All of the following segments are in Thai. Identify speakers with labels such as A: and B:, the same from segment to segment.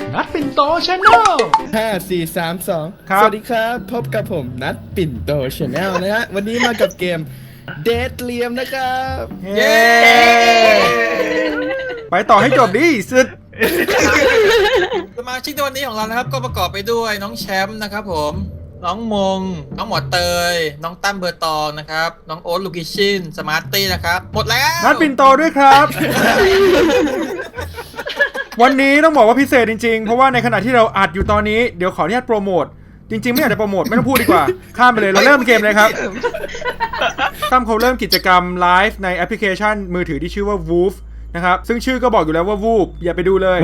A: นัดปิ่นโตชาแนล
B: 5 4 3 2สวัสดีครับพบกับผมนัดปิ่นโตชาแนลนะฮะวันนี้มากับเกมเดทเลียมนะครับ
C: เย้ไปต่อให้จบดิสุด
D: สมาชิกในวันนี้ของเรานะครับก็ประกอบไปด้วยน้องแชมป์นะครับผมน้องมงน้องหมอเตยน้องตั้มเบอร์ตองนะครับน้องโอ๊ตลูกิชินสมาร์ตี้นะครับหมดแล้ว
C: นัดปิ่นโตด้วยครับ วันนี้ต้องบอกว่าพิเศษจริงๆเพราะว่าในขณะที่เราอัดอยู่ตอนนี้เดี๋ยวขออนุญาตโปรโมทจริงๆไม่อยากจะโปรโมทไม่ต้องพูดดีกว่าข้ามไปเลยเราเริ่มเกมเลยครับตั้มเขาเริ่มกิจกรรมไลฟ์ในแอปพลิเคชันมือถือที่ชื่อว่า Woof นะครับซึ่งชื่อก็บอกอยู่แล้วว่า Woof อย่าไปดูเลย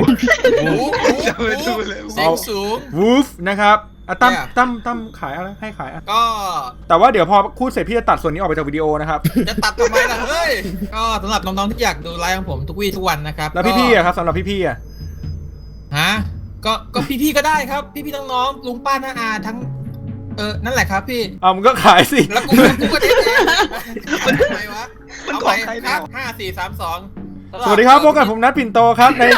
D: เสียงสูง
C: Woof นะครับตั้มขายอะไรให้ขายอ่ะ
D: ก็
C: แต่ว่าเดี๋ยวพอพูดเสร็จพี่จะตัดส่วนนี้ออกไปจากวิดีโอนะครับ
D: จะตัดทำไมล่ะเฮ้ยก็สำหรับน้องๆที่อยากดูไลฟ์ของผมทุกวี่ทุกวันนะครับ
C: แล้วพี่ๆอะครับสำหรับพี่ๆอะ
D: ฮะก็พี่ๆก็ได้ครับพี่ๆน้องๆลุงป้าน้าอาทั้งนั่นแหละครับพี่
C: เอามึงก็ขายสิ
D: แล้วกูก็เทสเองทำไมวะเอาไปครับ5 4 3 2
C: สวัสดีครับพบกับผมนัทปิ่นโตครับใน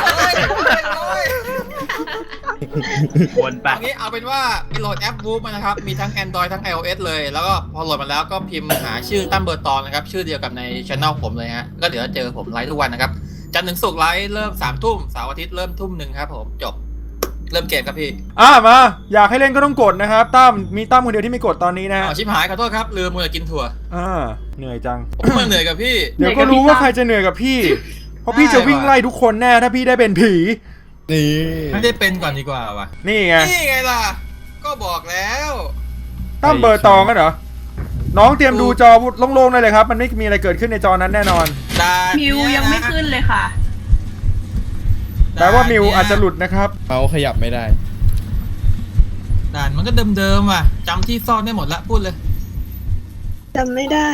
A: วนไป
D: เอางี้เอาเป็นว่าไปโหลดแอป Woof มานะครับมีทั้ง Android ทั้ง iOS เลยแล้วก็พอโหลดมาแล้วก็พิมพ์หาชื่อตั้มเบอร์ตองนะครับชื่อเดียวกับใน channel ผมเลยฮะก็เดี๋ยวเจอผมไลฟ์ทุกวันนะครับจันทร์ถึงศุกร์ไลฟ์เริ่ม 3 ทุ่มเสาร์อาทิตย์เริ่ม 1 ครับผมจบเริ่มเกมครับพี่
C: มาอยากให้เล่นก็ต้องกดนะครับมีตั้มคนเดียวที่ไม่กดตอนนี้นะ
D: ชิบหายขอโทษครับลืมมัวแต่กินถั่ว
C: เหนื่อยจัง
D: ผมเหนื่อยกับพี่
C: เดี๋ยวก็รู้ว่าใครจะเหนื่อยกับพี่เพราะพี่จะวิ่งไล่ทุกคนแน่ถ้าพี่ได้เป็นผี
D: นี่ไม่ได้เป็นก่อนดีกว่าวะ
C: นี่ไง
D: ล่ะก็บอกแล้ว
C: ตั้มเบอร์ตองกันเหรอน้องเตรียมดูจอโล่งๆได้เลยครับมันไม่มีอะไรเกิดขึ้นในจอนั้นแน่นอน
E: มิวยังไม่ขึ้นเลยค่ะ
C: แปลว่ามิวอาจจะหลุดนะครับ
B: เมาส์ขยับไม่ได้
D: ด่านมันก็เดิมๆว่ะจำที่ซ่อนได้หมดละพูดเลย
E: จำไม่ได้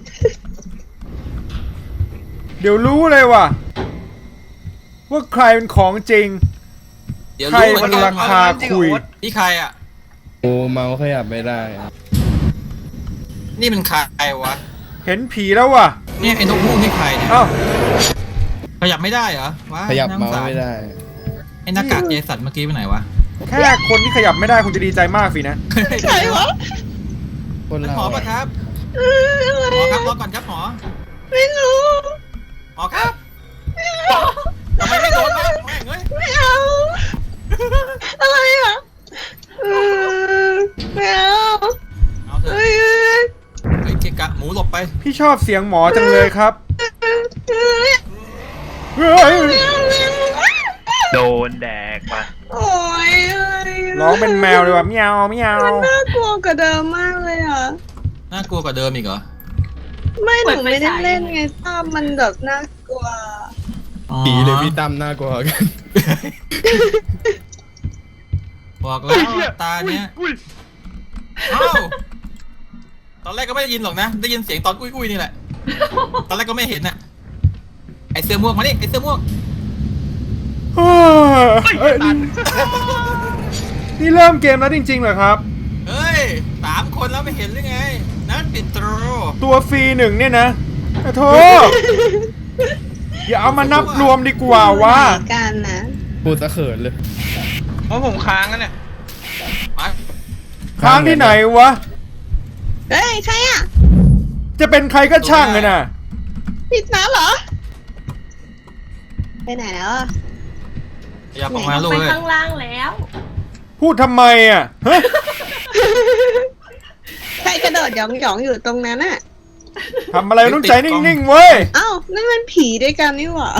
C: เดี๋ยวรู้เลยว่ะว่าใครเป็นของจริงใครมันราคาคุย
D: นี่ใครอ่ะ
B: โอ้เมาส์ขยับไม่ได้
D: นี่มันใครวะ
C: เห็นผีแล้วว่ะ
D: นี่ไอ้นกฮูกนี่ใครเนี่ยขยับไม่ได้เหรอวะ
B: ขยับเมาส์ไม่ได้
D: ไอ้หน้ากากเจสันเมื่อกี้ไปไหนวะ
C: แค่คนที่ขยับไม่ได้คุณจะดีใจมากสินะ
D: ใครวะหมอปะครับหมอครับรอก่อนครับหมอ
E: ไม่รู้
D: หมอครับทำไมไม่โดนวะแม่งเฮ้ย
E: ไม่เอาอะไรอ่ะไม่เอา
D: เถอะเฮ้ยเกะกะหมูหลบไป
C: พี่ชอบเสียงหมอจังเลยครับ
A: โดนแดกมา
E: โอ้ย
C: ร้องเป็นแมวเลยว่ะเมียวเมียว
E: มันน่ากลัวกว่าเดิมมากเลยอ่ะ
D: น่ากลัวกว่าเดิมอีกเหรอ
E: ไม่หนูไม่ได้เล่นไงตั้มมันแบบน่ากลัว
B: ผีเลยพี่ตั้มน่ากลัวกัน
D: บอกแล้วตาเนี้ยตอนแรกก็ไม่ได้ยินหรอกนะได้ยินเสียงตอนอุ้ยนี่แหละตอนแรกก็ไม่เห็นน่ะไอเสื้อม่วงมาดิไอเสื้อม่วง
C: นี่เริ่มเกมแล้วจริงๆเหรอครับ
D: เฮ้ย3 คนแล้วไม่เห็นหรือไงนั่นปิด
C: ตัวฟรี1เนี่ยนะโธ่อย่าเอามานับรวมดีกว่าวะ
E: กันนะ
B: พูดซะเขินเลย
D: เพราะผมค้างกันเนี่ย
C: ค้างที่ไหนวะ
E: เฮ้ยใครอ่ะ
C: จะเป็นใครก็ช่างเลยนะ
E: ผิดนะเหรอไปไหนแล้วอ่ะ
D: อยากออกมาลูกเลย
E: ไปข้างล่างแล้ว
C: พูดทำไมอ่ะ
E: ใครกระโดดหยองอยู่ตรงนั้นอ่ะ
C: ทำอะไรต้องใจนิ่งๆเว้ย
E: เอ้านั่นมันผีด้วยกันนี่หว่า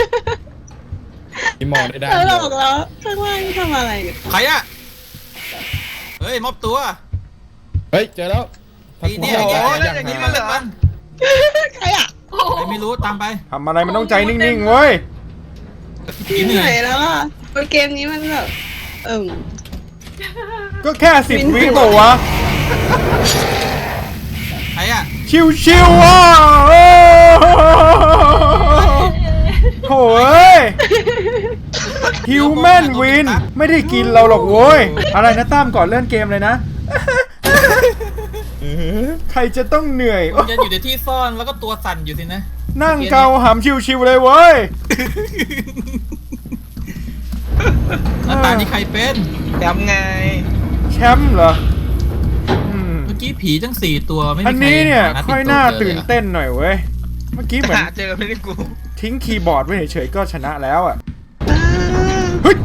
B: ที่มองได้
E: หลอกแล้วข้างล่างทำอะไรเนี่ย
D: ใครอ่ะเฮ้ยมอบตัว
B: เฮ้ยเจอแล้ว
D: นี่อย่างนี้มันเล่นมัน
E: ใครอ่ะ
D: ไม่รู้ตามไป
C: ทำอะไรมันต้องใจนิ่งๆเว้ย
E: เหนื่อยแล้วอ่ะเกมนี้มันแบบ
C: ก็แค่10 วิบอกวะ
D: ใครอ่ะ
C: ชิวๆว่ะโถ่เอ้ยฮิวแมนวินไม่ได้กินเราหรอกโว้ยอะไรนะตั้มก่อนเล่นเกมเลยนะใครจะต้องเหนื่อย
D: จะอยู่ในที่ซ่อนแล้วก็ตัวสั่นอยู่สินะ
C: นั่งเกาหำชิวๆเลยเว้ย
D: แล้วตานี่ใครเป็น
F: จำไง
C: แชมป์เหรออืม
D: เมื่อกี้ผีทั้ง4ตัวไม่มีใคร
C: อันนี้เนี่ย
D: หา
C: ค่อย
D: ปิ่โต
C: น่า
D: เจอ
C: ตื่น
D: ลยอะ
C: เต้นหน่อยเว้ย เมื่อกี้เหมือน
F: หาเจอไม่ได้กู
C: ทิ้งคีย์บอร์ดไว้เฉยๆก็ชนะแล้วอ่ะ
E: อ่า
C: เฮ้ย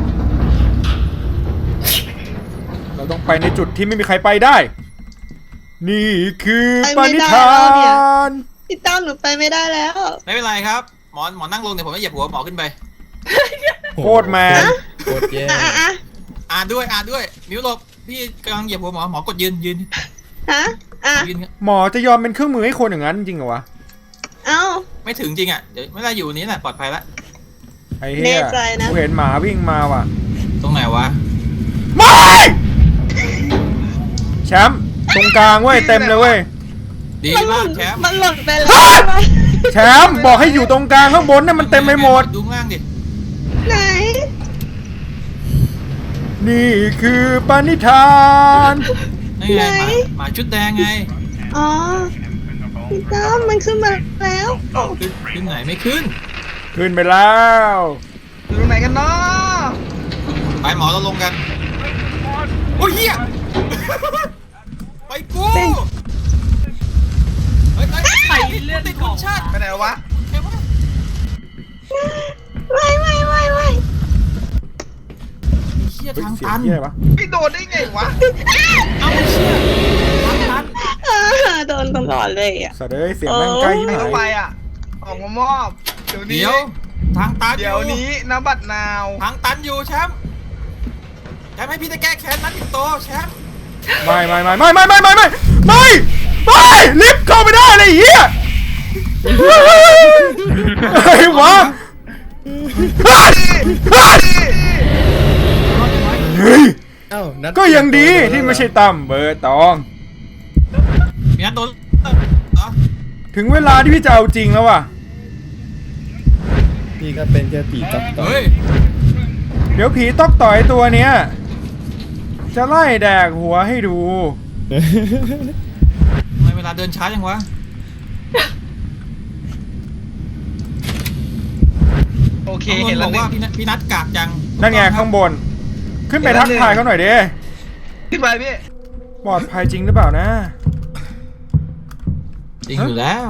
C: เราต้องไปในจุดที่ไม่มีใครไปได้ นี่คือปณิธาน
E: พี่ตั้มหนูไปไม่ได้แล้ว
D: ไม่เป็นไรครับหมอนั่งลงเดี๋ยวผมจะเหยียบหัวหมอขึ้นไป
C: โคตรแมน
B: โคตรแย่
E: อ่ะ
D: อ่านด้วยมิวหลบพี่กำลังเหยียบหัวหมอกดยืน
E: อ่ะอ่ะ
D: ยืนครับ
C: หมอจะยอมเป็นเครื่องมือให้คนอย่างนั้นจริงเหรอวะ
E: เอ้า
D: ไม่ถึงจริงอ่ะเดี๋ยวไม่ได้อยู่นี้แหละปลอดภัยละ
C: ไอ้เหี้
E: แน่
C: ย
E: ใจนะ
C: กูเห็นหมาวิ่งมาว่ะ
D: ตรงไหนวะ
C: ไม่แชมป์ตรงกลางเว้ยเต็มเลยเว้ย
D: ดี
E: มันห
D: มา
E: ล่
D: ก
E: น
D: แชมป์
E: มันหล่นไปแล้ว
C: แชมป์บอกให้อยู่ตรงกลางข้างบนน่ะมันเต็มไปหมด
D: ดูข้างล่างดิ
E: ไหน
C: นี่คือปณิธาน
D: นี่ไงหมาชุดแดงไง
E: อ๋อพี่ตั้มมันขึ้นมาแล้ว
D: ขึ้นไหนไม่ขึ้น
C: ขึ้นไปแล้ว
F: อยู่ไหนกันเนาะ
D: ไปหมอเราลงกันโอ้ยเหี้ยไปกูเฮ้ยใครเลื่อนติดคุณชาติ
F: ไปไหนวะ
D: ใครวะ
E: ไม่
D: เชี่ย
C: เฮ้ย
D: ทาง
C: เสีย
D: ตั
C: ง
D: น
C: เหี้ยอะไรวะ
F: ไม่โดนได้ไงวะ
D: เอาเชี่ยทางตัน
E: โดนตลอดเลยอ่ะ
C: สัตว์เอ้ยเสียงแม่งใกล้ที่
F: ไม่
C: ไห
F: ต้องไป
C: น
F: อ่ะ ออกมามอบ เดี๋ยวนี้
D: เดี๋ยวทางตันอ
F: เดี๋ยวนี้น้ำบัตรนาว
D: ทางตันอยู่แชมป์ให้พี่จะแก้แค้นนัดติดโตแชมป์
C: ไม่ลิฟต์เข้าไม่ได้เลยไอ้เหี้ยไอ้วะเฮ้ย
B: เอ้านัด
C: ก็ยังดีที่ไม่ใช่ตั้มเบอร์ตอง
D: มีนัดโดนเหรอ
C: ถึงเวลาที่พี่จะเอาจริงแล้วว่ะ
B: พี่ก็เป็นแค่ผีตับต่อ
D: เฮ้ย
C: เดี๋ยวผีต๊อกต่อยตัวเนี้ยจะไล่แดกหัวให้ดู
D: ทำไมเวลาเดินช้าจังวะ
F: โอเค
D: เห็
F: เห็
D: น
F: น
D: บ
F: แล้
D: อ
F: ว
D: ก
F: นี่
D: ว่าพี่นัดกากจัง
C: นั่นไงข้างบน ขึ้นไปทักทายเขาหน่อยดิ
F: ขึ้นไปพี่
C: ปลอดภัยจริงหรือเปล่านะ
D: จริงอยู่แล้ว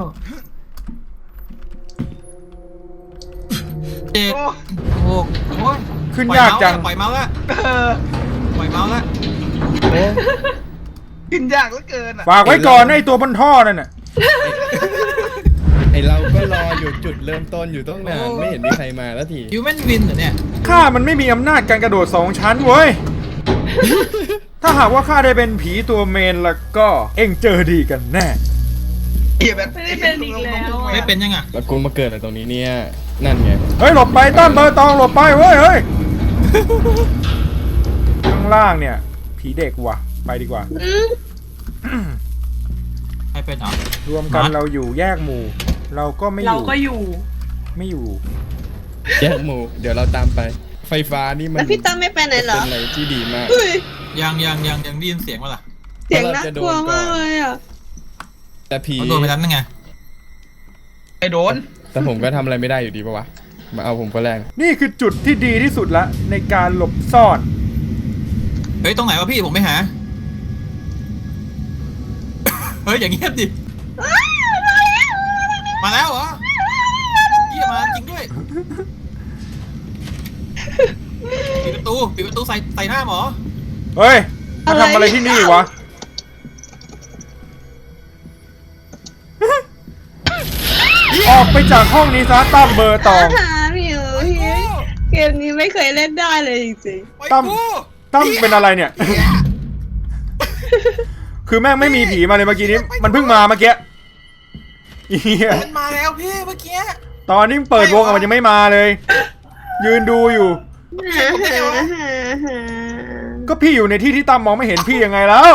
D: เจ็ด
F: โอ้
D: หกโอ้ย
C: ขึ้นยากจัง
D: ปล่อยเมาส์ละ
F: เออ
D: ปล่อยเมาส์ละ
B: โอ้
F: ขึ้นยากเหลือเกินอ่ะ
C: ฝากไว้ก่อนนะไอตัวบนท่อนั่นน่ะ
B: ไอเราก็รออยู่จุดเริ่มต้นอยู่ต้องนานไม่เห็นมีใครมาแล้วที
D: ฮิวแมนวินเหรอเนี่ย
C: ข้ามันไม่มีอำนาจการกระโดด2 ชั้นเว้ย ถ้าหากว่าข้าได้เป็นผีตัวเมนแล้วก็เอ็งเจอดีกันแน่
F: เหี้ยแบบ
E: ไม่ได้เป็นอีกแล้วอะ
D: ไม่เป็นยังอ่ะ
B: แล้วกูมาเกิดอะไรตรงนี้เนี่ยนั่นไง
C: เฮ้ยหลบไปตั้มเบอร์ตองหลบไปเว้ยเฮ้ย ข้างล่างเนี่ย ผีเด็กว่ะ ไปดีกว่า
D: ใครเป็นอ่ะ
C: รวมกันเราอยู่แยกหมู่ เราก็ไม่อยู่ไม่อยู่
B: แยกหมู่เดี๋ยวเราตามไป ไฟฟ้านี่มัน
E: แล้วพี่ตั้มไม่ไปไหนเหรอ
B: เป็นอะไรที่ดีมาก
E: อุ้ย
D: ยังได้ยินเสียงวะล่ะ
E: เสียงน่ากลัวมากเลยอ่ะ
B: แต่ผี
D: เขาโดนไปนั้นยังไง
F: ไอ้โดน
B: แต่ผมก็ทำอะไรไม่ได้อยู่ดีปะวะมาเอาผมก็แรง
C: นี่คือจุดที่ดีที่สุดละในการหลบซ่อน
D: เฮ้ยตรงไหนวะพี่ผมไม่หา เฮ้ยอย่างเงียบดิ มาแล้วเหรอเยี่ยมาจริงด้วย ปิดประตูใส่หน้าหมอ
C: เฮ้ยมาทำอะไรที่นี่วะ ออกไปจากห้องนี้ซะตั้มเบอร์ตอง
E: หาพี่เกมนี้ไม่เคยเล่นได้เลยจริง
D: ไป
C: ตั้ม
D: กู
C: ตั้มเป็นอะไรเนี่ย คือแม่งไม่มีผีมาเลยเมื่อกี้นี้ มันเพิ่งมาเมื่อกี้เหี้ย
D: มันมาแล้วพี่เมื่อกี้
C: ตอนนี้เปิดวงอะมันยังไม่มาเลย ยืนดูอยู่ ก็พี่อยู่ในที่ที่ตั้มมองไม่เห็นพี่ยังไงแล้ว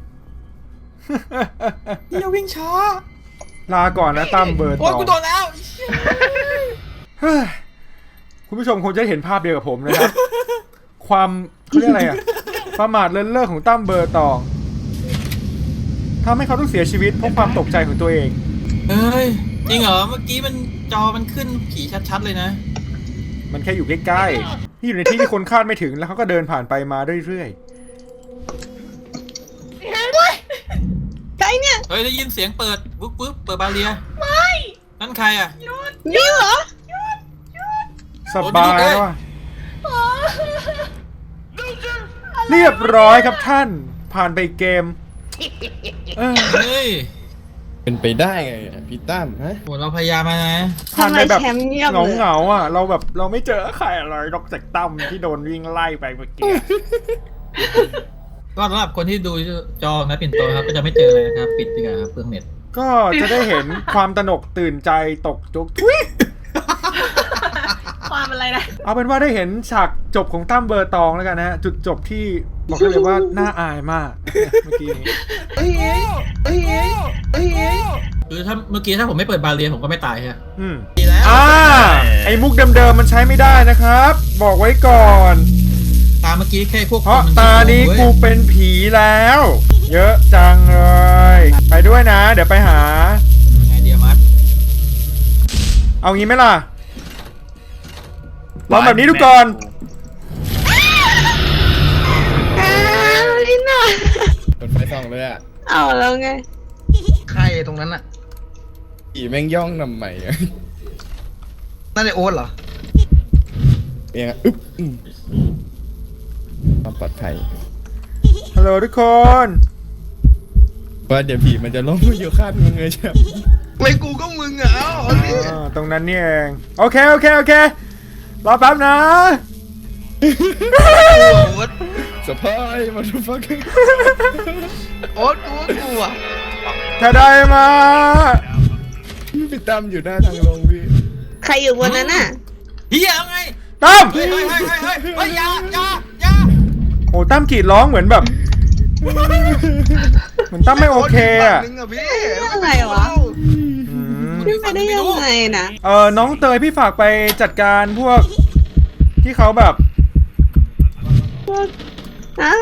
D: พี่อย่าวิ่งช้า
C: ลาก่อนนะตั้มเบอร์ต
D: โอ้ย
C: อง
D: กูโดนแล้ว
C: เฮ้ยคุณผู้ชมคงจะเห็นภาพเดียวกับผมนะครับ ความเขาเรียกอะไรอะประมาทเลินเล่อของตั้มเบอร์ตองทำให้เขาต้องเสียชีวิตเพราะความตกใจของตัวเอง
D: เฮ้ยจริงเหรอเมื่อกี้มันจอมันขึ้นผีชัดๆเลยนะ
C: มันแค่อยู่ใกล้ๆที่อยู่ในที่ที่คนคาดไม่ถึงแล้วเขาก็เดินผ่านไปมาเรื่อย
E: ใครเนี่ย
D: เฮ้ยได้ยินเสียงเปิดปุ๊บเปิดบาเรียไม่นั่นใครอ่ะ
E: นี่เหรอ
C: ๆสบายว่ะเรียบร้อยครับท่านผ่านไปอีกเกม
D: เฮ้ย
B: เป็นไปได้ไงพี่ตั้มฮะ
D: โหเราพยายามมานะ
C: ผ่าน
E: ทำไม
C: ไปแบบ
E: แชมป์เงียบ
C: เหงา
E: เลย
C: เหงาๆอ่ะเราแบบเราไม่เจอใครอะไรนอกจากตั้มที่โดนวิ่งไล่ไปเมื่อกี้
D: ก็สำหรับคนที่ดูจอนะปิ่นโตครับก็จะไม่เจอเลยนะครับปิดดีกว่าครับเปลืองเน็ต
C: ก็จะได้เห็นความตระหนกตื่นใจตกจุกทุย
E: ความอะไรนะ
C: เอาเป็นว่าได้เห็นฉากจบของตั้มเบอร์ตองแล้วกันนะฮะจุดจบที่บอกได้เลยว่าน่าอายมากเมื่อกี้นี้
D: คือถ้าเมื่อกี้ถ้าผมไม่เปิดบาเรียผมก็ไม่ตายฮะ
C: อืม
D: ดีแล้ว
C: ไอ้มุกเดิมๆมันใช้ไม่ได้นะครับ บอกไว้ก่อน
D: ตาเมื่อกี้แค่พวก
C: เพราะ
D: คมั
C: ตานี้กูเป็นผีแล้ว เยอะจังเลย ไปด้วยนะ เดี๋ยวไปหา
D: ไงเดียมัส
C: เอางี้ไหมล่ะลองแบบนี้ดูก่อน
E: ลิน่า
B: เปิดไฟส่องเลยอ่ะ
E: เอาแล้วไง
F: ใครตรงนั้นอ่ะ
B: ผีแม่งย่องนำใหม่อะ
F: นั่นไอโอ๊ตเหรอ
B: เองอะอึ๊บความปลอดภัย
C: ฮัลโหลทุกคน
B: ว่าเดี๋ยวผีมันจะล้มมาอยู่ข้างมึงเลยใช่ไหม
F: ไม่กูก็มึงอ่ะเอ้าเอาดิ
C: ตรงนั้นนี่เองโอเครอแป๊บนะ
F: โอ๊ต
B: สปายมาดูฟัก
F: โอ๊ตกูก็กลัว
C: ถ้าได้มา
B: พี่ตั้มอยู่หน้าทางลงพี่
E: ใครอยู่บนนั้นน่ะ
D: เฮียเอาไง
C: ตั้ม
D: เฮ้ยอย่า
C: โอ้ตั้มกรีดร้องเหมือนแบบ เหมือนตั้มไม่โอเคอ่ะ
F: โตยู่ฝั่งนึงอ่ะพี่
E: อะไรวะ
C: อืม
E: ขึ้นไปได้ยังไงนะ
C: น้องเตยพี่ฝากไปจัดการพวก ที่เขาแบบ
E: ฮะ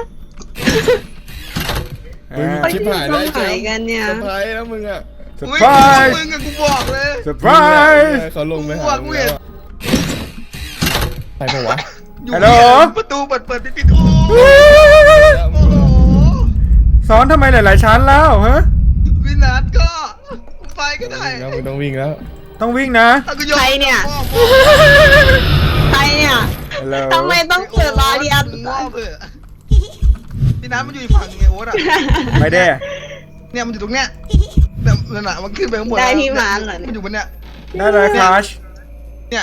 B: มึง
E: เขาอ
B: ชิบ
E: ยู่
B: หาย
E: ตร
B: ได้
E: งไหนกันเนี่ย
B: สปายแล้วมึงอ่ะ
C: เซอร์
F: อุ้ย
C: ไพรส์
F: มึงอ่ะกูบอกเลย
C: เซอร์ไพรส์
B: เขาลงไปหา
F: กูอะกูเห็น
B: ใครปะวะ
F: อยู่
C: ฮัลโหล
F: ประตูเปิดปิดโอ้โห
C: สอนทำไมหลายๆชั้นแล้วฮะ
F: พี่นัทก็ไปก็ได้
B: แล้วมึงต้องวิ่งแล้ว
C: ต้องวิ่งนะ
F: ถ้ากูยอม
E: ใครเนี่ย
F: พ่อ
E: ใครเนี่ย
C: ฮัลโหล
E: ทำไมต้องเปิดบาเรีย
F: มึงว่าเผื่อพี่นัทมันอยู่อีกฝั่งไงโอ๊ตอ่ะ
C: ไปเด้
F: เนี่ยมันอยู่ตรงเนี้ยเนี่ยนั่นน่ะมันขึ้นไปข้างบน
E: ได้
F: แล้ว
E: พี่มาเหรอ
F: มันอยู่บนเนี้ย
C: ได้เลยครัช
F: เนี่ย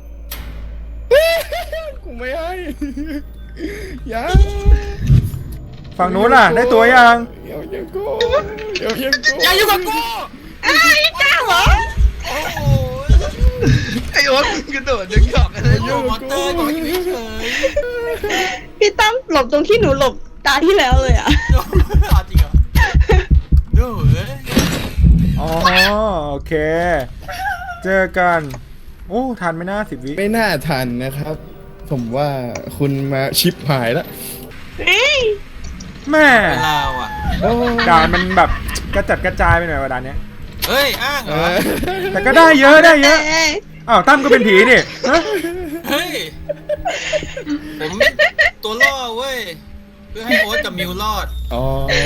B: กูไม่ให้ ยัง
C: ฝั่งนู้นล่ะ ได้ตัวยัง
B: เดี๋ยวยังกูเดี๋ยวยังกู
D: อย่าอยู่กับกู
E: ไอ้จ้าเหรอ
F: โอ้โหไอโอ๊ตมึงกระโดดดึงหยอกอะไร
D: โอ้มอเตอร์บอกอยู่เฉย
E: พี่ตั้มหลบตรงที่หนูหลบตาที่แล้วเลยอ่ะ
D: จริงเหรอดูเอ้ย
C: อ๋อโอเค เจอกัน โอ้ทันไหม่น่า10 วิ
B: ไม่น่าทันนะครับ ผมว่าคุณมาชิปหายแล้ว
E: เฮ้ย
C: แม่
D: เป็นเราอ่ะ
B: โอ้
C: ด่านมันแบบกระจัดกระจายไปหน่อยว่าด่านเนี้ย
D: เฮ้ยอ้างเห
B: เอ
D: รอ
B: อ
C: แต่ก็ได้เยอะได้เยอะ
E: เอ้ย
C: อ้าวตั้มก็เป็นผีนี่ฮะ
D: เฮ้ยผมตัวล่อเว้ยเพื่อให้โอ๊ตกับมิวรอด
B: อ๋อ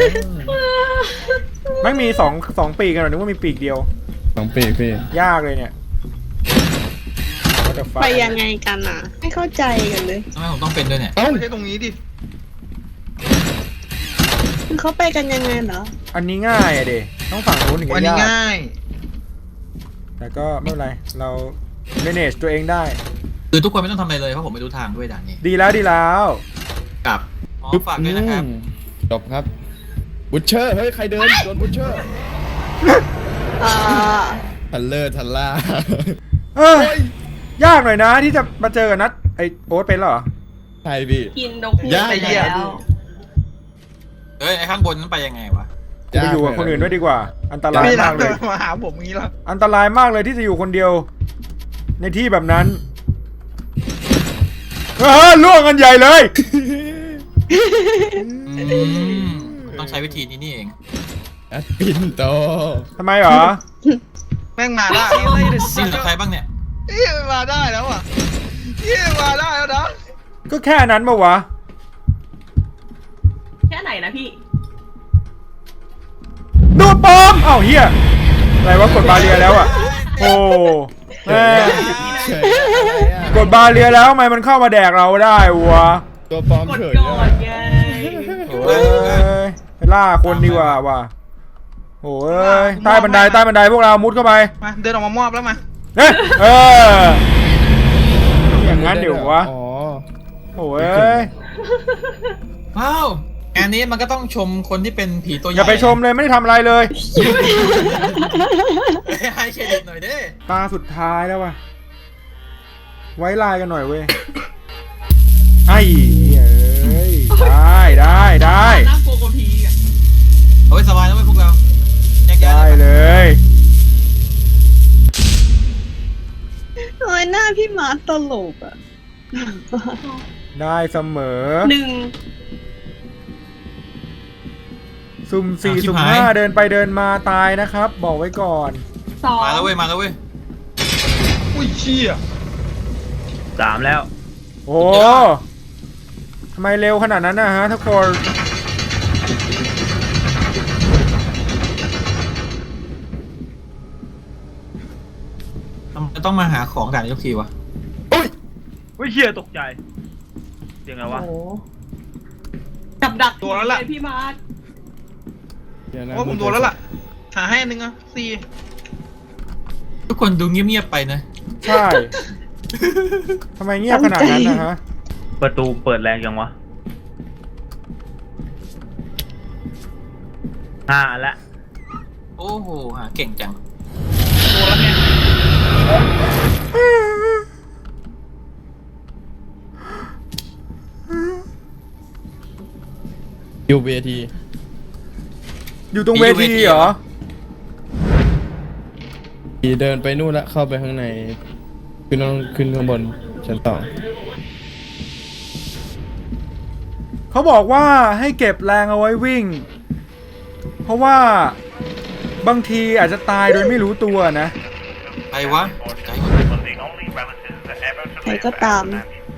C: ไม่มีสองปีกกันหรอนึกว่ามีปีกเดียว
B: สองปีกพี่
C: ยากเลยเนี่ย What the fuck
E: ไปยังไงกันอ่ะ ไม่เข้าใจกันเลย
D: ทำไมผมต้องเป็นด้วยเนี่ย
B: เอ้า
F: ไม่ใช่ตรงนี้ดิ
E: เขาไปกันยังไงเหรอ
C: อันนี้ง่ายอะเดต้องฝั่งนู้นถึง
F: วัน
C: จะ
F: นี้
C: ยาก
F: ง่าย
C: แต่ก็ไม่เป็นไร เรา manage ตัวเองได้
D: คือทุกคนไม่ต้องทำอะไรเลยเพราะผมไม่รู้ทางด้วยด่านนี้
C: ดีแล้วดีแล้ว
D: กับฝากด้วยนะครับ
B: จบครับบุชเชอร์เฮ้ยใครเดินโดนบุชเชอร์ ทันเลอร์ทันล่า
C: เออยากหน่อยนะที่จะมาเจอกับนัดไอโอ๊ตเป็นเหรอ
B: ใช่พี่
E: กินนกฮูก
B: ยาก
E: ไปแล้ว
D: เฮ้ยไอ้ข้างบนนั้นไปยังไงวะ
C: จะไปอยู่กับคนอื่นด้วยดีกว่า อันตราย
F: พี่นั
C: มา
F: ท
C: กเล
F: เดิ
C: ย
F: นมาหาผมอย่างนี้แล้ว
C: อันตรายมากเลยที่จะอยู่คนเดียว ในที่แบบนั้นล่วงกันใหญ่เลย
D: ต้องใช้วิธีนี้นี่เอง
B: นัดปินโต
C: ทำไมเหรอ
F: แม่งมาได้แล้ว
D: นี่คือใครบ้างเนี่ย
F: เฮ้ยมาได้แล้วอ่ะเฮ้ยมาได้แล้วนะ
C: ก็แค่นั้นปะวะ
G: แค่ไหนนะพี่
C: ดูดปอมเอ้าเฮียอะไรวะกดบาเรียแล้วอ่ะโอ้แม่
B: เฉยอะไรอ่ะ
C: กดบาเรียแล้วทำไมมันเข้ามาแดกเราได้วะ
B: ตัวปลอม
G: กด
B: เฉย
G: ก่อนไง
C: โอ้ยไปล่าคนดีกว่าว่ะโอ้ยใต้บันไดพวกเรามุดเข้าไป
F: มาเดินออกมามอบแล้วมา
C: เฮ้ยอย่างนั้นเดี๋ยววะ
B: อ๋อ
C: โอ้ย
D: ว้าวงานนี้มันก็ต้องชมคนที่เป็นผีตัวใหญ่
C: อย่าไปชมเลยไม่ได้ทำอะไรเลย
D: ให้เครดิตหน่อยเด้
C: ตาสุดท้ายแล้วว่ะไว้ลายกันหน่อยเว้ยไอ้เอ้ยได้
G: น่ากลัวกว่าผีอ่ะ
D: เอาไว้สบายแล้วไว้พวกเราแยกย้าย
C: ได้เลย
E: ทำไมหน้าพี่มาร์คตลกอ่ะ
C: ได้เสมอ
G: 1
C: สุ่ม4สุ่ม5เดินไปเดินมาตายนะครับ บอกไว้ก่อน
G: 2
D: มาแล้วเว้ย
F: อุ้ยเชี่ย
A: 3 แล้ว
C: โอ้ทำไมเร็วขนาดนั้นนะฮะทุกคน
D: ทำไมต้องมาหาของด่านทุกทีวะ
A: อุ้ยเฮียตกใจเสียงอะไรวะ
G: โอ้โหกับดัก
F: ตัวแล้วล่ะ
G: เยพี่มาร์ค
B: เดี๋ยวนะ
F: ว่าผมโดนแล้วล่ะหาให้อันนึงอ่ะ4
D: ทุกคนดูเงียบๆไปนะ
C: ใช่ทำไมเงียบขนาดนั้นนะฮะ
A: ประตูเปิดแรงจังวะ5 อันละ
D: โอ้โหหาเก่งจัง
F: โดนแล้วไง
B: อยู่เวที
C: อยู่ตรงเวทีเหรอ
B: ทีเดินไปนู่นละเข้าไปข้างในขึ้นข้างบนชั้น2
C: เขาบอกว่าให้เก็บแรงเอาไว้วิ่ง เพราะว่าบางทีอาจจะตายโดยไม่รู้ตัวนะ
D: ใครวะใจหมด
E: ใครก็ตาม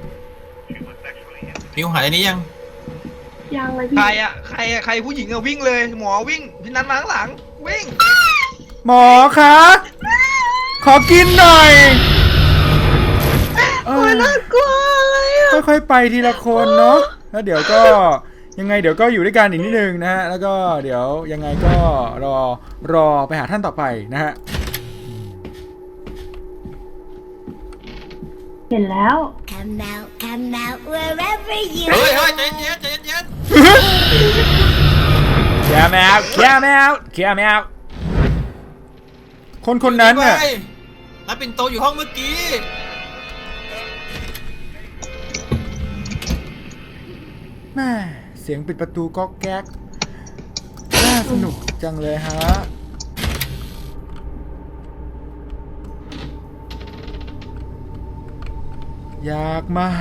D: มิวหายอันนี้ยัง
G: ยังเลยพี่
F: ใครอ่ะใครผู้หญิงอ่ะวิ่งเลยหมอวิ่งพี่นัทมาข้างหลังวิ่ง
C: หมอคะขอกินหน่อยเอ
E: โอ้ย
C: อ
E: น่ากลัวอะไรอ่ะ
C: ค่อยๆไปทีละคนเนาะแล้วเดี๋ยวก็ยังไงเดี๋ยวก็อยู่ด้วยกันอีกนิดนึงนะฮะแล้วก็เดี๋ยวยังไงก็รอไปหาท่านต่อไปนะฮะ
G: เห็นแล้ว
H: Come out wherever you
D: เฮ้ยใจเย็นใจเย็น
C: แค่แมวคนนั้นน่ะ
D: นับปิ่นโตอยู่ห้องเมื่อกี้
C: แม่เสียงปิดประตูก๊อกแก๊กน่าสนุกจังเลยฮะอยาก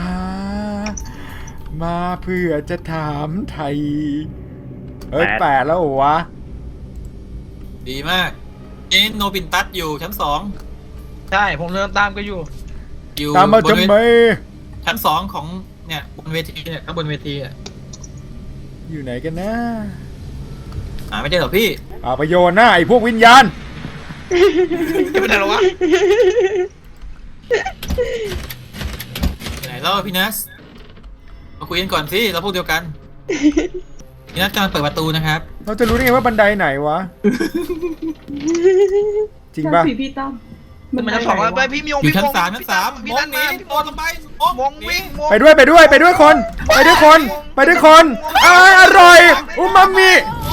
C: มาเพื่อจะถามไทย8แล้วเหรอวะ
D: ดีมากนี่โนบินตัสอยู่ชั้น
F: ใช่ผมเดินตามก็อยู่
D: 2อยู่
C: ตามมา
D: บน
C: จำไม
D: ชั้น 2ของเนี่ยบนเวทีเนี่ยข้างบนเวทีอ่ะ
C: อยู่ไหนกันนะ
D: หาไม่ได้หรอพี่
C: เอาไปโยนหน้าไอ้พวกวิญญาณ
F: จะเป็นอะไรหรอวะ
D: ไหนแล้วพี่นัสมาคุยกันก่อนสิเราพวกเดียวกันพี่นัสกำลังเปิดประตูนะครับ
C: เราจะรู้ได้ไงว่าบันไดไหนวะ จริงป่ะ
G: ผีพี่ตั้ม
F: มันชั้น 2แล้วไปพี่มีอง
D: อยู่
F: วิ่ง
D: ชั้น
F: มง
D: 3ชั้น3
F: พี่
D: ม
F: นั
D: ง
F: ท
D: หนี
F: มา
D: โดนลงไปม
F: มงวิ่งมง
C: ไปด้วยคนอร่อยอูมามิ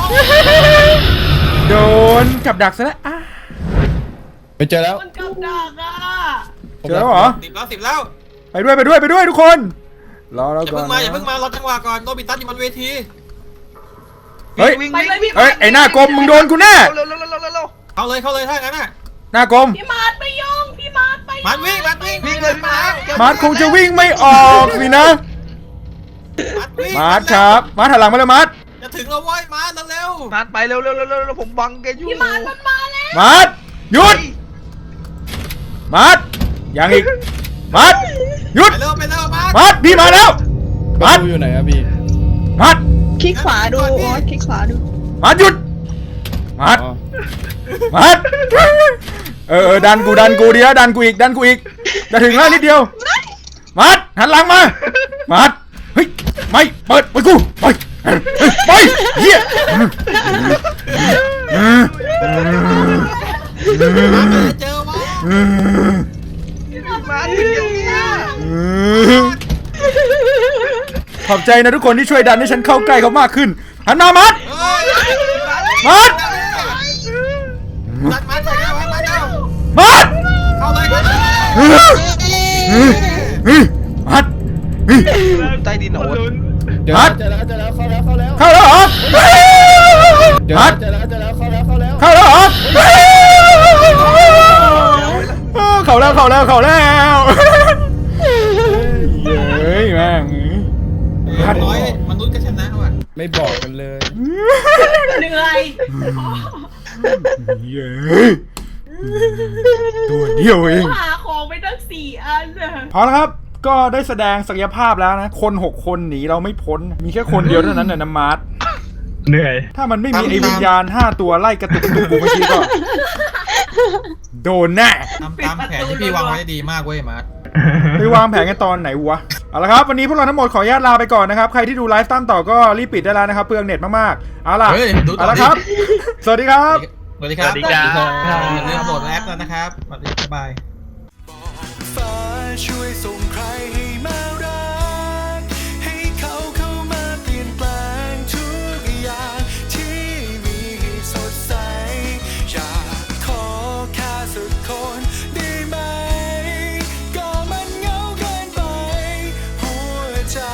C: โดนกับดักซะแล้วอ่ะ
B: ไปเจอแล้ว
G: มันกับดักอ่ะ
C: เจอแล้วเหรอ
D: 10 แล้ว
C: ไปด้วยทุกคนรอเรา
D: อย่า
C: ก่อ
D: เพิ่
C: น
D: งมารอจังหวะก่อนโนบินตัสอยู่บนเวที
C: เฮ้ย
F: วิ่ง
G: ไปเลยพี่
C: เฮ้ยไอ้หน้ากลมมึงโดนกูแน่
F: เร็ว
D: เข้าเลยถ้างั้นน่ะ
C: หน้ากลม
G: พี่มาร์คไปยุ่งพี่มาร์คไป
D: มันวิ่ง
F: วิ่งเลยพี่มาร์ค
C: มาร์ทคงจะวิ่งไม่ออกสินะ
D: วิ่ง
C: มาร์ทครับมาร์ทหันหลังมาเลยมาร์ท
D: จะถึงแล้วเว้ยมาร์ทเร็ว
F: มาร์คไปเร็วผมบังแกอยู่
G: พี่มาร์คมันมาแล้ว
C: มาร์ทหยุดมาร์ทยังอีกมาร์ทหยุด
D: ไปเร็วมาร์ท
C: มาร์ทพี่มาแล้ว
B: ประตูอยู่ไหนครับพี่
C: มัด
E: คลิกขวาดูโอ๊ตคลิกขวาดู
C: มัดหยุดมัด
B: อ๋อ
C: มัดดันกูดีแล้วดันกูอีกจะถึงแล้วนิดเดียวมัดหันหลังมามัดเฮ้ยไม่เปิดกูไปเฮีย
D: เจอวะ
F: มาถึงอย่างเนี้ย
C: ขอบใจนะทุกคนที่ช่วยดันให้ฉันเข้าใกล้เขามากขึ้นหันมามัด มัด
D: มาใส่แล้วมาแล้ว
C: มัด
D: เข้าเลยครับ
C: มัด
F: ใต้ดินโอ๊ต
B: เดี๋ยว
C: มัด
B: เจอแล้วเข้าแล้ว
C: เข้าแล้วเหรอ
B: เดี๋ยว
C: มัด
B: เจอแล้วเข้าแล้ว
C: เข้าแล้วเหรอเข้าแล้วเฮ้ยแม่ง
D: น้อยมนุษย์ก็ชนะว่ะ
B: ไม่บอกกันเลย
G: เหนื่อย
C: เย้ตัวเดียวเอง
G: หาของไปตั้ง4 อันน่ะ
C: พอแล้วครับก็ได้แสดงศักยภาพแล้วนะคน6 คนหนีเราไม่พ้นมีแค่คนเดียวเท่านั้นน่ะนะมาร์ท
A: เหนื่อย
C: ถ้ามันไม่มีไอ้วิญญาณ5 ตัวไล่กระตุกกูเมื่อกี้ก็โดนแน่
D: ทำตามแผนที่พี่วางไว้ได้ดีมากเว้ยมาร์ท
C: ไปวางแผนกันตอนไหนวะเอาละครับวันนี้พวกเราทั้งหมดขออนุญาตลาไปก่อนนะครับใครที่ดูไลฟ์ตามต่อก็รีบปิดได้แล้วนะครับเปลืองเน็ตมากๆเอาล่ะ
D: เฮ้ยดูต่
C: เอา
D: อ
C: ละ
D: ดิ
C: ครับ สวัสดีครับ
D: สวัสดีครับ
A: สวัสดีครับ
D: อย่าลืมโหลดแอปแล้วนะครับสวัสดีบ๊ายบาย
I: ฟ้าช่วยส่งใครให้มารักให้เขาเข้ามาเปลี่ยนแปลงทุกอย่างที่มีให้สดใสอยากขอแค่สักคนได้ไหมก็มันเหงาเกินไปหัวใจ